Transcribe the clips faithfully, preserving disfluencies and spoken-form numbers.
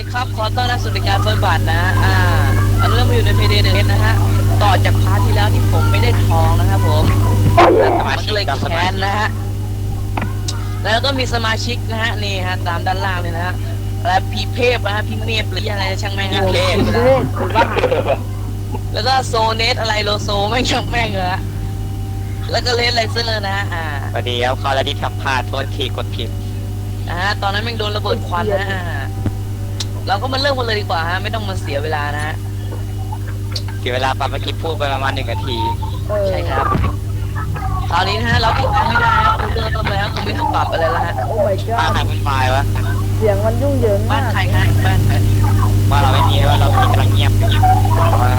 ครับ ขอต้อนรับสู่รายการเฟิร์สบัตนะอ่าเราเริ่มมาอยู่ในเพย์เดย์หนึ่งนะฮะ ต่อจากพาร์ทที่แล้วที่ผมไม่ได้ทองนะครับผมแล้วมันก็เลยแค้นนะฮะ แล้วก็มีสมาชิกนะฮะนี่ฮะตามด้านล่างเลยนะฮะและพี่เทพนะฮะพี่เมฟหรืออะไรช่างแม่งฮะเทพแล้วก็โซเนสอะไรโลโซไม่ช่างแม่งเลยฮะแล้วก็เลนไลเซอร์นะฮะอ่าสวัสดีครับคอร์ดิทำพลาดโทษทีกดผิดนะฮะตอนนั้นแม่งโดนระเบิดควันนะฮะเราก็มาเริ่มกันเลยดีกว่าฮะไม่ต้องมาเสียเวลานะฮะเสียเวลาปรับเมื่อกี้พูดไปประมาณหนึ่งนาทีใช่ครับคราวนี้นะฮะเราติดตั้งไม่ได้ฮะคุณเริ่มต้นแล้วคุณไม่ต้องปรับอะไรแล้วฮะโอ้ my บ้าน god ใครเป็นไฟล์วะเสียงมันยุ่งเหยิงบ้ามาน กใครฮะบ้านใครว่าเราไม่มีว่าเรากำลังเงียบอยู่แล้ว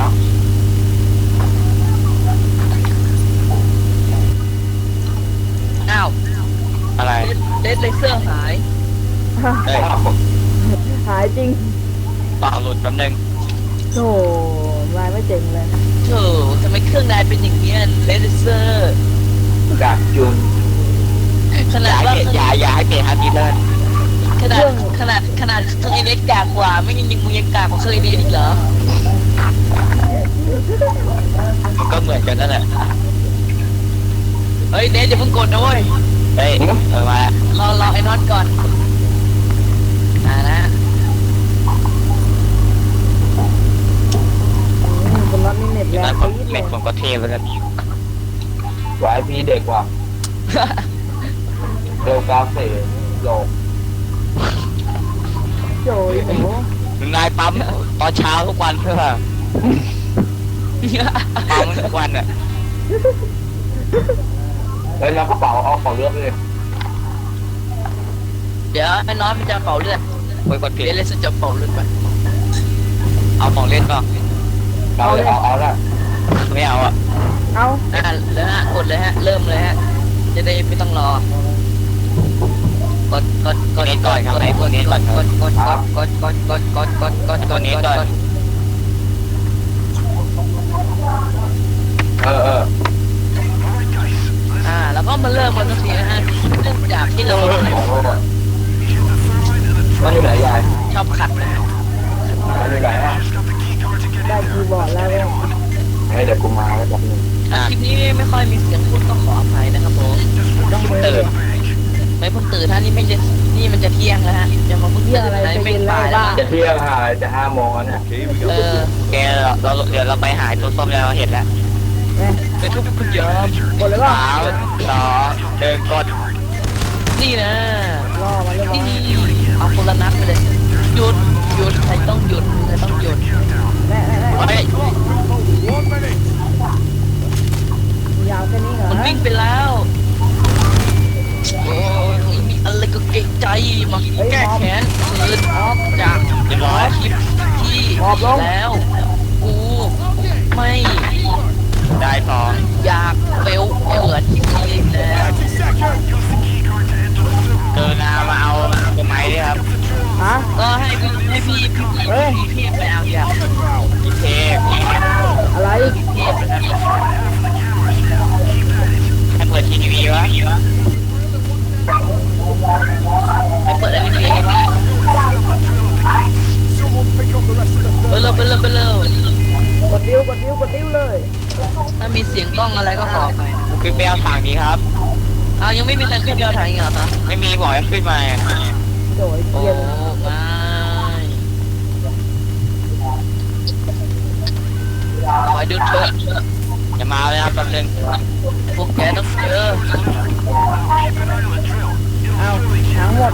อ้าวอะไรเดดเลเซอร์หายเฮ้ยหายจริงต่อหลุดแป๊บนึงโธ่ลายไม่เจ๋งเลยโธ่ทำไมเครื่องนายเป็นอย่างเงี้ยเลเซอร์ดักจุนขอนาย่าดให้ว่าเปลี่ยนอย่าอย่าให้เปลี่ยนฮาร์ดดิสก์เลยขนาดขนาดขนาดเครื่องไอเล็กกากกว่าไม่ยังยิงมึงยังกากกว่าเครื่องไอเล็กอีกเหรอมันก็เหมือนกันนั่นแหละเฮ้ยเดดอย่าเพิ่งกดนะเว้ยเฮ้ยเออมารอรอไอ้น็อตก่อนอ่านะอืมบนรถนี่เน็ตที่แรนั่งนผมปี๊ดเลเม็ยดผมก็เทไปแล้ววายพีเด็กว่ะเร็วกราเฟ่โลกโจ้ยโอ้โหนายปั๊มตอนเช้าทุกวันเพื่อปั๊มทุกวันอ่ะแล้วเราก็เป่าเอาของเลือกเลยเดี๋ยวไอ้น็อตมันจะเป่าเลือดโอ้ยกดผิดเดดเลเซอร์จะเป่าเลือดไปเอาของเล่นป่ะเอาเลยเอาเอาละไม่เอาอ่ะเอาอ่าแล้วฮะกดเลยฮะเริ่มเลยฮะจะได้ไม่ต้องรอกดกดกดกดกดกดกดกดกดกดกดกดกดกดกดกดกดกดเออเอออ่าแล้วก็มาเริ่มกันสักทีนะฮะเริ่มจากที่เรามันอยู่ไหนยายชอบขัดนะฮะมันอยู่ไหนอ่ะได้คีย์บอร์ดแล้วเว้ยให้เดี๋ยวกูมาแล้วแบบนึงคลิปนี้ไม่ค่อยมีเสียงพูดก็ขออภัยนะครับผมต้องเบอตื่นร์ไม่เพิ่งตื่นท่านี่ไม่จะนี่มันจะเที่ยงแล้วฮะจะมาเพิ่งตื่นนะไม่บ่ายแล้วจะเที่ยงหาจะห้าโมงแล้วเนี่ยเออแกเราเราเดี๋ยวเราไปหาตัวส้มแล้วเราเห็นแล้วแม่ไปทุกคนยอมกดเลยป่ะสามสองหนึ่งกดนี่นะล่อมาเลยนี่ป่ะเอาคนละนัดไปเลยหยุดหยุดใครต้องหยุดใครต้องหยุดแม่แม่แม่เฮ้ยยาวแค่นี้เหรอมันวิ่งไปแล้วโอ้ยมีอะไรก็เก่งใจมาแก้แค้นคืนจากเรียบร้อยคลิปที่แล้วกูไม่ได้ทองอยากเฟลเหมือนที่เคยแล้วเจอนามาเอาตัวไม้ด้วยครับฮะก็ให้พี่ให้พี่พี่เฮ้ยพี่พี่ไปเอาอย่างพี่เทพอะไรพี่เทพนะครับให้เปิดทีวีวะไปเปิดอะไรพี่เปิดเลยเปิดเลยเปิดเลยกดดิ้วกดดิ้วกดดิ้วเลยถ้ามีเสียงกล้องอะไรก็ขอไปขึ้นไปเอาถังนี้ครับอ้าวยังไม่มีใครขึ้นยอดทางอีกเหรอคะไม่มีบอกให้ขึ้นมาโจ้ยโอ้เกียนไม่ขอดูเถอะอย่ามาเลยครับแป๊บนึงพวกแกต้องเจอเอาทั้งหมด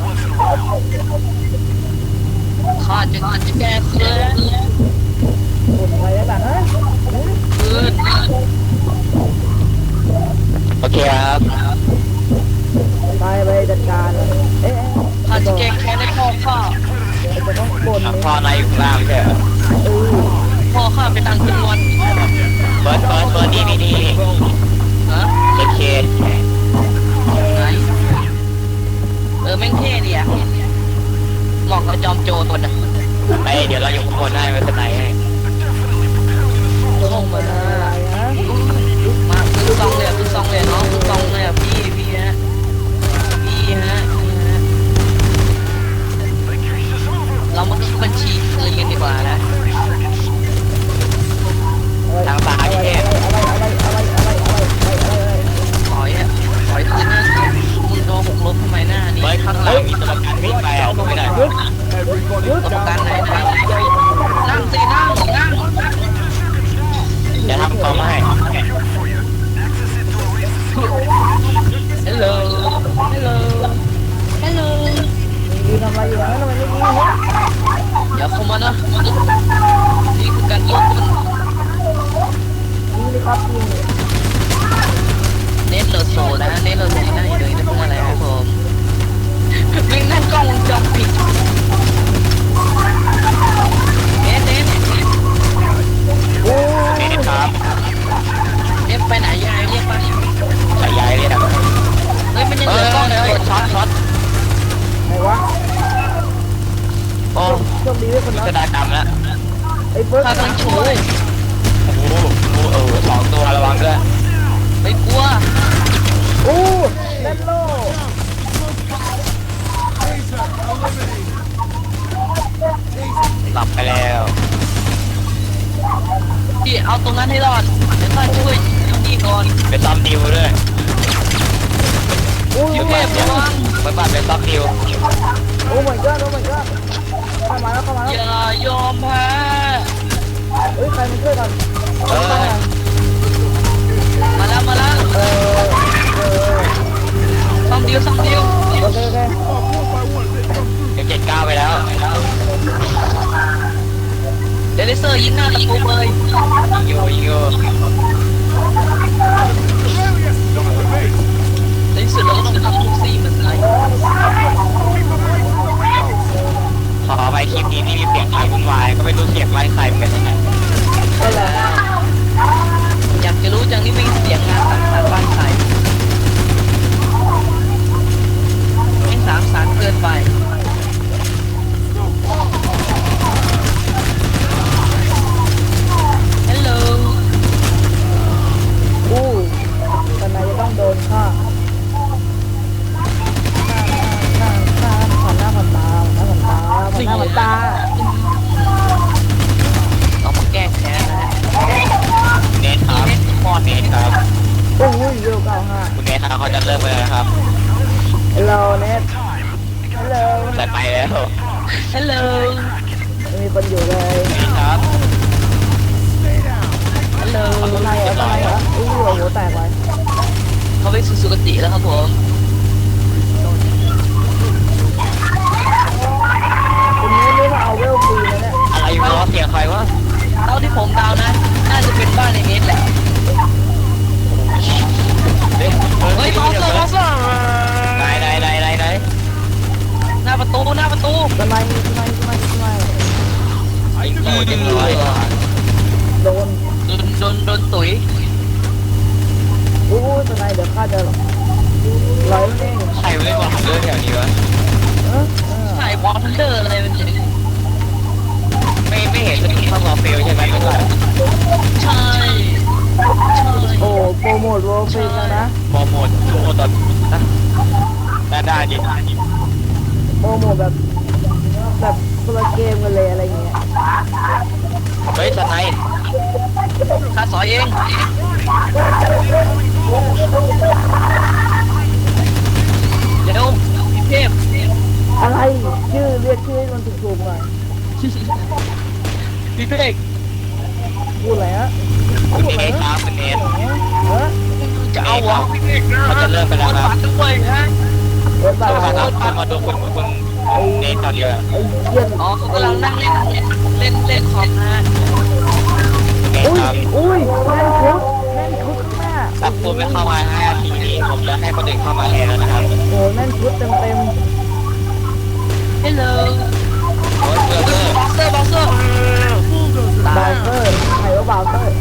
ข้าจะจะแก้เคลื่อนกดไว้ได้ป่ะฮะคืนโอเคครับไปไปจัดการเอ๊ะข้าจะแก้แค้นให้พ่อข้าจะต้องกดทำนี่พ่อนายอยู่ข้างล่างไม่ใช่เหรอเออพ่อข้าไปตั้งจำนวนเปิดเปิดเปิดนี่นี่นี่ฮะโอเคไหนเออแม่งเท่ดีอะเหมาะกับจอมโจรตัวน่ะไปเดี๋ยวเราอยู่ข้างบนให้ไม่เป็นไรให้ลงมาอะไรฮะมาคือซองเลยอะคือซองเลยน้องคือซองเลยอะพี่พี่ฮะพี่ฮะพี่ฮะเรามาคิดบัญชีอยู่อย่างนั้นทำไมไม่ยิงวะเดี๋ยวเข้ามานะนี่คือการยิงมันยิงดิครับยิงดิเน้นโลโซนะเน้นโลโซนั่งอยู่ตรงนี้เป็นอะไรครับผมวิ่งนั่นกล้องวงจรปิดเน้นเน้นโอ้เนทครับเน้นไปไหนยังไงเรียกไปสายยายเรียกอะเฮ้ยมันยังเหลือกล้องเลยช็อตช็อตไหนวะโอ้โชคดีด้วยคนพินั้นสดารกรรมแล้วไอ้เฟิร์สข้ากำลังชูโอ้โหโอ้เออสองตัวระวังด้วยไม่กลัวโอ้เล่นโลหลับไปแล้วพี่เอาตรงนั้นให้รอดเดี๋ยวข้าช่วยตรงนี้ก่อนไปซ้อมดิวด้วยโอ้ยพี่เทพระวังไปบ้านไปซ้อมดิวโอ้ my god โอ้ my god เข้ามาแล้วเข้ามาอแล้วย่ายอมแพ้เฮ้ยใครมาช่วยกันเออมาแล้วมาแล้วเออเออซ่อมดิวซ่อมดิวโอเคโอเคเดี๋ยวเจ็ดเก้าไปแล้วเดลิเซอร์ยิงหน้าตะปูเลยยิงอยู่ยิงอยู่ในที่สุดเราก็ต้องทำทุกซี่มันไงขอไปคลิปนี้ที่มีเสียงใครวุ่นวายก็ไม่รู้เสียงไล่ใครเหมือนกันนะได้แล้วอยากจะรู้จังนี่ไม่เสียงงานสังสรรค์บ้านใครไม่สามสารเกินไปฮัลโหลอู้ตอนไหนจะต้องโดนฆ่าหน้าหน้าหน้าผ่านหน้าผ่านตาผ่านหน้าผ่านตาผ่านหน้าผ่านตาต้องมาแก้แค้นนะฮะเนทครับมอนเนทครับโอ้ยเร็วเก้าห้าคุณเนทครับเขาจะเริ่มไปแล้วนะครับฮัลโหลเน็ตฮัลโหลใส่ไปแล้วฮัลโหลไม่มีคนอยู่เลยเนทครับฮัลโหลข้างในเหรอข้างในเหรออู้หัวแตกไปเขาไปสู่สุคติแล้วครับผมคุณนี้นี่มาเอาเวลฟรีแล้วเนี่ยอะไรอยู่วะเสียงใครวะเท่าที่ผมเดานะ น่าจะเป็นบ้านในเน็ตแหละเฮ้ยเฮ้ยบอสเซอร์บอสเซอร์ไหนไหนไหนไหนไหนหน้าประตูหน้าประตูทำไมทำไมทำไมทำไมยิงโอ้ยยิงเลยโดนโดนโดนโดนตุ๋ยอู้ทำไมเดี๋ยวข้าจะร้อยเล่งใครไม่ได้บอกเรื่องแถวนี้วะเออเออใช่บอสทันเดอร์อะไรมันเนี่ยไม่ไม่เห็นสกิลเข้ามอเฟลใช่ไหมไม่ใช่ใช่ใช่โอ้โปรโมทโรลฟรีแล้วนะโปรโมทโปรโมทตอนนะได้ได้ดิโปรโมทแบบแบบคนละเกมกันเลยอะไรเงี้ยเฮ้ยสไนป์ข้าสอยเองเร็วพี่เทพอะไรชื่อเรียกชื่อให้มันถูกๆหน่อยพี่เพกพูดอะไรฮะคุณเนทครับคุณเนทเออจะเอาวะพี่เพกเขาจะเริ่มไปแล้วครับด้วยฮะเปิดบ้าต้องนมาไต้องมาดูคุณคุณเนทตอนเดียวอ้เยี่ยนอ๋อเขากำลังนั่งเล่นเล่นเล่นคอมนะคุณเนทอุ้ยครับอุ้ยแน่นคุกแน่นคุกข้างหน้าถ้าคุณไม่เข้ามาห้านาทีนี้ผมจะให้คนอื่นเข้ามาแทนแล้วนะครับโอ้แน่นชุดเต็มเต็มฮัลโหลโอ้ยเบอร์เกอร์บอสเซอร์บอสเซอร์บาวเซอร์ใครว่าบาวเซอร์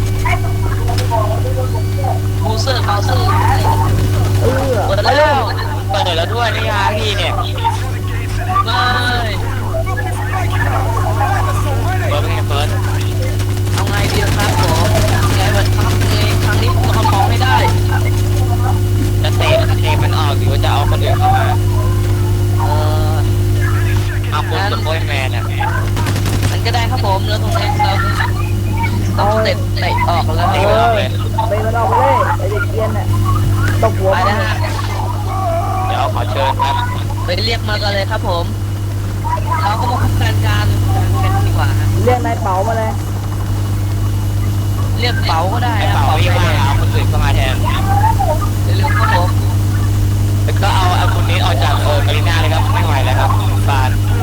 บูเซอร์บอสเซอร์เออเปิดแล้วเปิดแล้วด้วยนี่ฮะพี่เนี่ยไม่เปิดเป็นไงเปิดเอาไงดีครับผมไงวันครับไงครั้งนี้ผมต้องมองให้ได้จะเตะเตะมันออกหรือว่าจะเอาคนอื่นเข้ามาเออเอาคุณสปอยแมนอ่ะมันก็ได้ครับผมแล้วตรงนี้เราต้องเตะเตะออกแล้วเตะเอมันอออกเลยไปมันออกไปเลยไอเด็กเกียนน่ะตบหัวไปมันนะฮะเดี๋ยวขอเชิญครับไปเรียกมากันเลยครับผมเราก็มาคุยกันการกันดีกว่าฮะเรียกนายเป๋ามาเลยเรียกเป๋าก็ได้ไอ้นะเป่าเป๋าพี่ไปว่าเลยเอาคนอื่นเข้ามาแทนเร็วๆครับผมแล้วก็เอาเอาคนนี้ออกจากเออการีน่าเลยครับไม่ไหวแล้วครับบานไ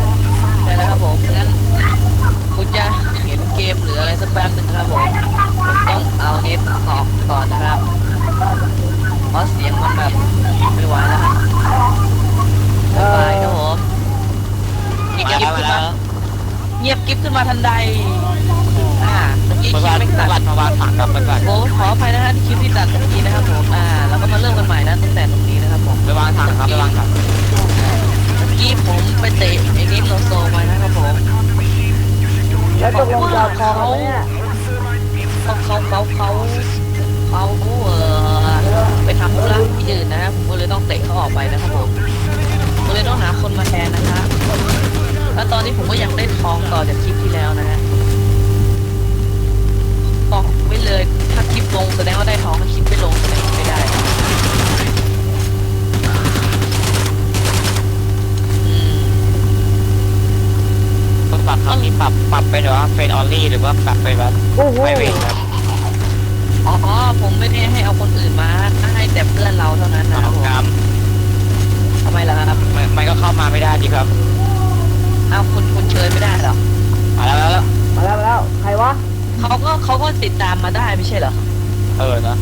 เงียบมากิ๊บแล้วขึ้มาน แล้มาว เงียบกิ๊บขึ้นมาทันใดอ่าเมื่อกี้เมื่อคิวาดนไม่เมื่ตัอดวานมาวางถังกับเมื่อวานโอ้ขออภัยนะฮะที่คลิปที่ตัดเมื่อกี้นะครับผมอ่าเราก็มาเริ่มกันใหม่นะตั้งแต่ตรงนี้นะครับผมไปวางถังครับไปวางถังเมื่อกี้ผมไปเตะไอ้นิดโลโซมานะครับผมแล้วตกลงจะเอาทองไหมเนี่ยเขาเขาเขาเขาเขาเออไปทำธุระที่อื่นนะผมก็เลยต้องเตะเขาออกไปนะครับผมผมก็เลยต้องหาคนมาแทนนะครับแล้วตอนนี้ผมก็ยังได้ทองต่อจากคลิปที่แล้วนะฮะบอกไว้เลยถ้าคลิปลงแสดงว่าได้ทองถ้าคลิปไม่ลงแสดงว่าไม่ได้อืมต้องปรับครั้งนี้ปรับปรับเป็นแบบว่าเฟนออลลี่หรือว่าปรับเป็นแบบโอ้โหไพรเวทครับอ๋อผมไม่ได้ให้เอาคนอื่นมาให้แต่เพื่อนเราเท่านั้นนะคเอารับผมกรรมทำไมล่ะครับมันมันก็เข้ามาไม่ได้ดีครับเอาคุณคุณเชิญไม่ได้เหรอมาแล้วแล้วมาแล้วมาแล้วใครวะเขาก็เขาก็ติดตามมาได้ไม่ใช่เหรอเออเนาะ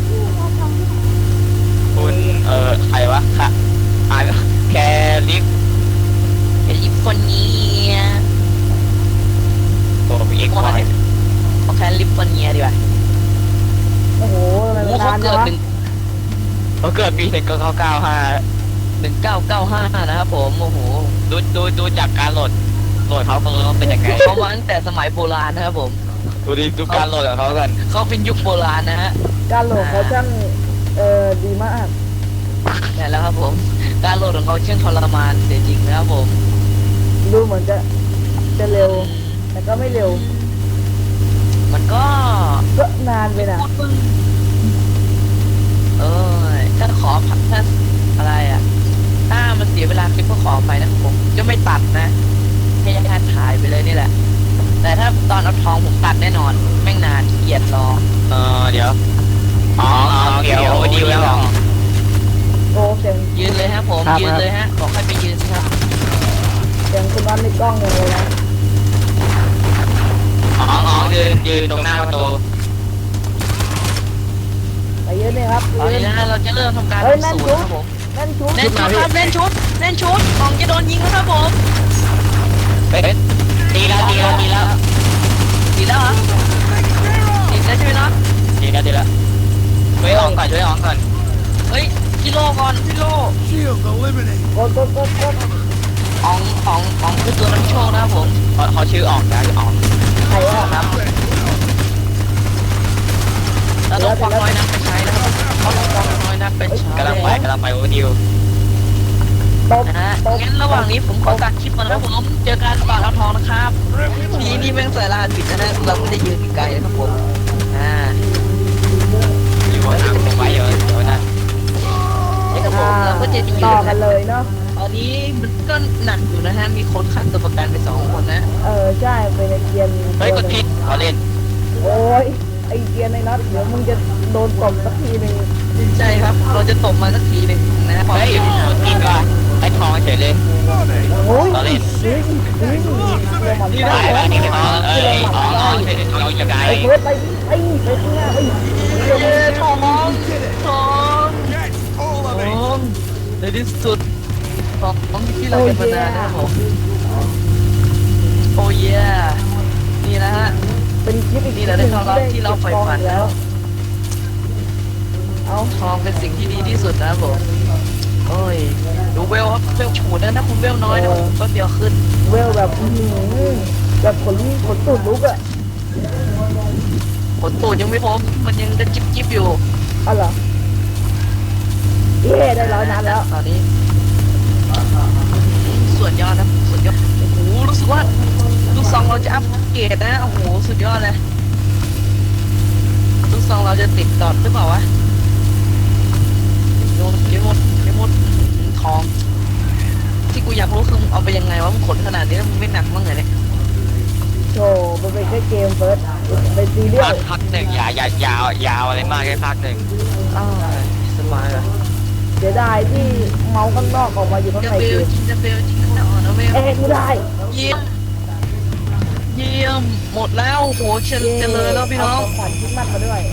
คุณเออใครวะค่ะอ่าแคลิกไอ้ยิปคนนี้ตัวมีเอ็กซ์วายเอาแค่ลิปฟอนเนียดีกว่าโอ้โหทำไมโอ้มันเขานานจัเกิงดวะหนึ่งเขาเกิดปีหนึ่งเก้าเก้าห้าหนึ่งเก้าเก้าห้านะครับผมโอ้โหดูดูดูจากการโหลดโหลดเขาเขาเป็นยังไงเขามาตั้งแต่สมัยโบราณนะครับผมดูดิดูการโหลดของเขากันเขาเป็นยุคโบราณนะฮะการโหลดเขาช่างเออดีมากแต่แล้วครับผม การโหลดของเขาเชื่องทรมานเสียจริงนะครับผมดูเหมือนจะจะเร็ว แต่ก็ไม่เร็วมันก็ก็นานไปนะพูดเพิ่งเออถ้าขอถ้าอะไรอ่ะ ถ้ามันเสียเวลาคลิปก็ขอไปนะครับผมจะไม่ตัดนะให้ญาติถ่ายไปเลยนี่แหละ แต่ถ้าตอนเอาทองผมตัดแน่นอนแม่งนานขี้เกียจรอเออเดี๋ยวอ๋ออ๋อเกี่ยวโอ้ดีแล้วเหรอโอ้เสียงยืนเลยฮะผมครับยืนเลยฮะบอกให้ไปยืนสิครับเสียงคุณน้อนในกล้องอย่างเลยนะอ๋ออ๋อยืนยืนตรงหน้าประตูไปเยอะเลยครับตอนนี้นะฮะเราจะเริ่มทำการเฮ้ยทำสูตรนะครับผมนั่นชุดเล่นชุดครับเล่นชุดเล่นชุดของจะโดนยิงแล้วครับผมเฮ้ยตีแล้วตีแล้วตีแล้วดีแล้วเหรอดีแล้วใช่ไหมเนาะตีแล้วตีแล้วช่วยอองก่อนช่วยอองก่อนเฮ้ยกิโลก่อนกิโล Shield eliminated. กดกดกดกดของของของคือตัวน้ำโชคนะครับผมเขาเขาชื่ออองนะชื่ออองใครวะครับเราต้องควักน้อยนักไปใช้นะครับเขาต้องควักน้อยนักไปใช้กำลังไปกำลังไปโอ้ดิวตบนะฮะตบงั้นระหว่างนี้ผมขอตัดคลิปก่อนนะครับผมเจอกันปากเอาทองนะครับทีนี่แม่งใส่รหัสผิดนะฮะเราไม่ได้ยืนไกลนะครับผมอ่าอยู่บนทางผมไว้เยอะเดี๋ยวนะไอ้กระผมเราก็จะยืนต่อกันะนเลยเนาะตอนนี้มันก็หนักอยู่นะฮะมีคนฆ่าตัวประกันไปสองคนนะเออใช่ไปในเกียนเฮ้ยกดผิดขอเล่นโอ้ยไอเกียนในน็อตเดี๋ยวมึงจะโดนตบสักทีหนึ่งใช่ครับ เราจะตบมาสักทีหนึ่งนะฮะเฮ้ยกดผิดว่ะไอ้ทองเฉยเลยโอ้ยต่อเล่นนี่นี่เรื่องมันได้แล้วนี่ไม่ทองเอ้ยอ๋ออ๋อช่วยทองเราอย่างไรไอ้เฟิร์สไปไปไปข้างหน้าไปเย้ทองทอง Yes, all ท of it. องในที่สุดทองที่เราเป็นมานานนะครับผมโอ้ยนี่นะฮะเป็นคลิปอีกนี่แหละได้ความลับที่เราใฝ่ฝันแล้ว เอาทองเป็นสิ่งที่ดีที่สุดนะครับผมโอ้ยดูเวลครับเวลฉูดนะถ้าคุณเวลน้อยนะผมก็เดียวขึ้นเวลแบบอื้อหือแบบขนขนตูดลุกอะผลตูดยังไม่พบมันยังจะจิบจิบอยู่อ๋อเหรอเย้ได้ร้อยนัดแล้วตอนนี้ส่วนยอดนะส่วนยอดโอ้โหรู้สึกว่าลูกซองเราจะอัปเกรดนะโอ้โหสุดยอดเลยลูกซองเราจะติดดอทหรือเปล่าวะโดนเยอะหมดเยอะหมดทอง ที่กูอยากรู้คือมึงเอาไปยังไงวะมึงขนขนาดนี้แล้วมึงไม่หนักมั้งเหรอเนี่ยโธ่มันเป็นแค่เกมเฟิร์สเป็นซีเรียภาลคภาคหนึ่งอย่าอย่ายาวยาวอะไรมากแค่ภาคหนึ่งอ้าวสบายเลยเสียดายที่เมาส์ข้างนอกออกมาอยู่ข้างจะในเบเกลมจริงจะเบลจริงจะอ่อนนะเบลเอ๊ะไม่ได้เยี่ยมเยี่ยมหมดแล้วโอ้โหเฉลเจริญแล้วพี่น้องเาขวัญคิดมากมาด้วย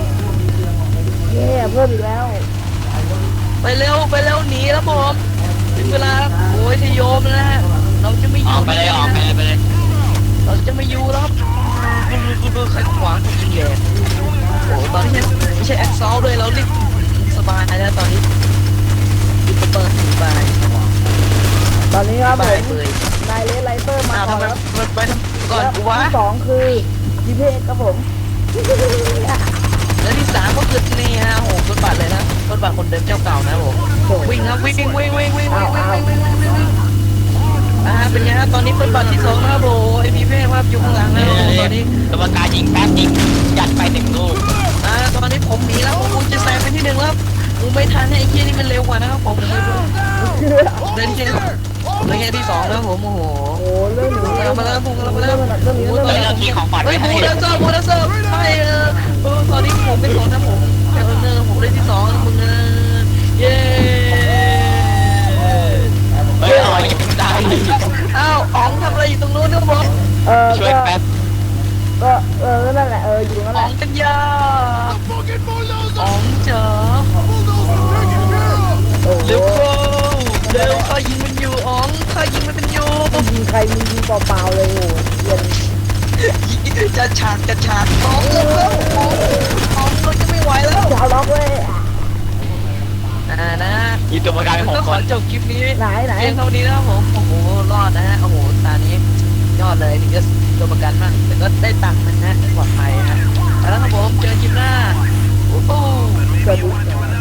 เย้เย้เพิ่มอีกแล้วไปเร็วไปเร็วหนีแล้วผมถึงเวลาโอ้ยทยโยมแล้วนะฮะเราจะไม่อออยู่ กไปเลยออกไปเลยไปเลยเราจะไม่อยู่แล้วใครขวางคนยิงแย่โอ้ตอนนี้ไม่ใช่แอคซอลด้วยเราเรียกสบายแล้วตอนนี้เปิดสบายตอนนี้ครับสผบายมเลยนายเลสไลเตอร์มาอ้าวก่ทำอนไมแล้วมันไปก่อนแล้วกูวะที่สองคือจีพีเอครับผมแล้วที่สามก็คือนี่ฮะโอ้โหต้นบาทเลยนะต้นบาทคนเดิมเจ้าเก่านะผมวิ่งครับวิ่งวิ่งวิ่งวิ่งวิ่งวิ่งวิ่งวิ่งวิ่งวิ่งวิ่งอ่าเป็นไงฮะตอนนี้ต้นบาทที่สองนะครับโอ้ไอพีเพ่ครับอยู่ข้างหลังนะโอ้ตอนนี้กรรมการยิงแป๊บยิงยัดไปหนึ่งลูกอ่าตอนนี้ผมหนีแล้วผมคงจะแซงไปที่หนึ่งแล้วผมไม่ทันเนี่ยไอ้เคียนี่มันเร็วกว่านะครับผมเดินที่ผมเลยแค่ที่สองแล้วผมโอ้โหโอ้เรื่องหนึ่งเรามาเริ่มผมเรามาเริ่มเรื่องนี้เรื่องเฮ้ยนี้เราทีของฝันเฮ้ไว้ยให้บูเดนเซอร์บูเดนเซอร์ไม่เออเออตอนนี้ผมเป็นสองนะผมเออเนอผมได้ที่สองมึงเออเย้เฮ้ยอ๋อยิงได้อ้าวอ๋องทำอะไรอยู่ตรงนู้นเนี่ยบอสเออช่วยก็แป๊บก็เออนั่นแหละเอออยู่นั่นแหอ๋อละงกันยา Fucking อ๋อ bulldozer! งจ๋า Bulldozer taken care of! โอ้โหเร็วเข้าเร็วข้ายิงมันอยู่อ๋องข้ายิงมันเป็นอยู่ยิงใครมียิงเปล่าๆเลยโอ้เย็นจะฉากจะฉากอ๋องเร็วเข้าอ๋องอ๋องเราจะไม่ไหวแล้วจะเอาล็อกเลยอ่านะยิงตัวประกันเป็นหก็กขคอน จบคลิปนี้ไหนไหนเพียงเท่านี้นะครับผมโอ้โหรอดนะฮะโอ้โหตานี้ยอดเลยถึงจะตัวประกันมากแต่ก็ได้ตังค์นะฮะปลอดภัยนะแล้วครับผมเจอคลิปหน้าโอ้โหสวัสดี